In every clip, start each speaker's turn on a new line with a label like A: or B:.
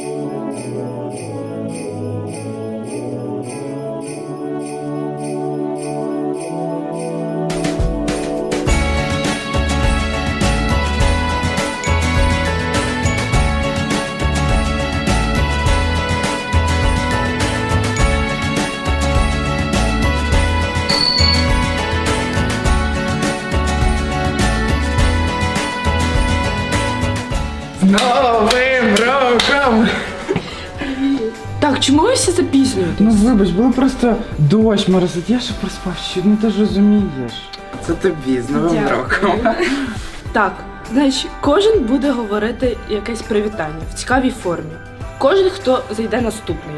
A: Новим роком!
B: Так, чому ви всі запізнюєте?
A: Ну вибач, було просто дощ моросить, я ще проспав щось, ну ти ж розумієш. Це тобі з Новим роком.
B: Так, значить, кожен буде говорити якесь привітання в цікавій формі. Кожен, хто зайде наступний.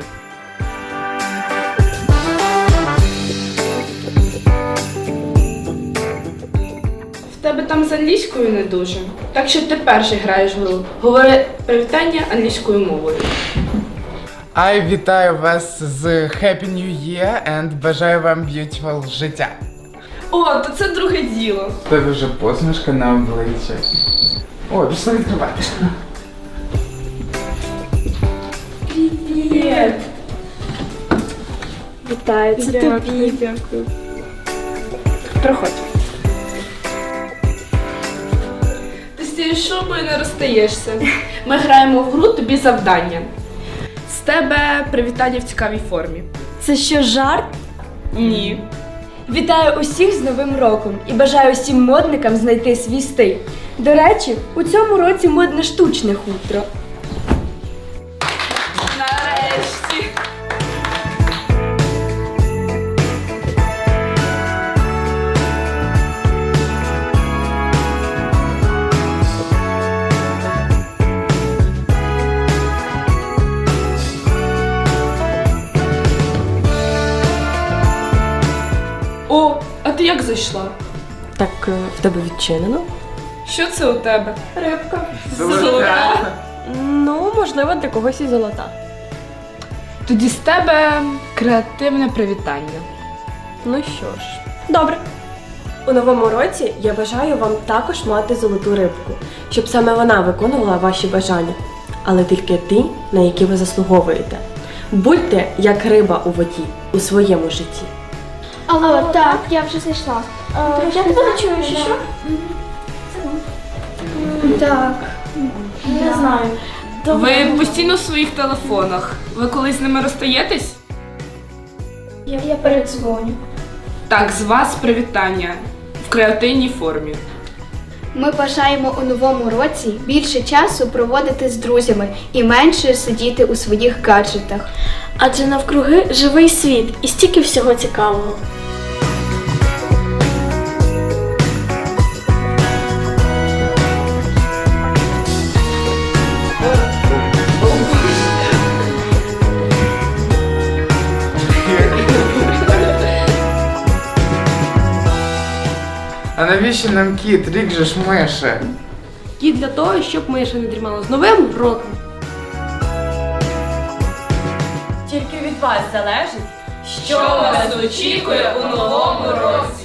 B: В тебе там з англійською не дуже. Так що ти перший граєш гру. Говори привітання англійською мовою.
A: I вітаю вас з Happy New Year and бажаю вам beautiful життя.
B: О, то це друге діло.
A: В тебе вже посмішка на обличчі. О, пішли відкривати.
B: Привіт!
C: Вітаю, це тобі.
B: Дякую. Проходь. Ти з цією шубою не розстаєшся. Ми граємо в гру «Тобі завдання». З тебе привітання в цікавій формі.
C: Це що, жарт?
B: Ні.
C: Вітаю усіх з Новим роком і бажаю усім модникам знайти свій стиль. До речі, у цьому році модне штучне хутро.
B: Нарешті. О, а ти як зайшла?
C: Так, в тебе відчинено?
B: Що це у тебе?
C: Рибка.
B: Золота.
C: Ну, можливо, для когось і золота.
B: Тоді з тебе креативне привітання.
C: Ну що ж, добре. У новому році я бажаю вам також мати золоту рибку, щоб саме вона виконувала ваші бажання, але тільки ті, на які ви заслуговуєте. Будьте як риба у воді у своєму житті.
D: Алло, так, я вже зайшла. Я тебе не чую, що що? Так, не знаю.
B: Ви постійно в своїх телефонах. Ви колись з ними розстаєтесь?
D: Я передзвоню.
B: Так, з вас привітання в креативній формі.
D: Ми бажаємо у новому році більше часу проводити з друзями і менше сидіти у своїх гаджетах.
E: Адже навкруги живий світ і стільки всього цікавого.
A: А навіщо нам кіт? Рік же ж мише.
C: І для того, щоб миша не дрімала з Новим роком. Тільки від вас залежить,
B: Що вас очікує у новому році?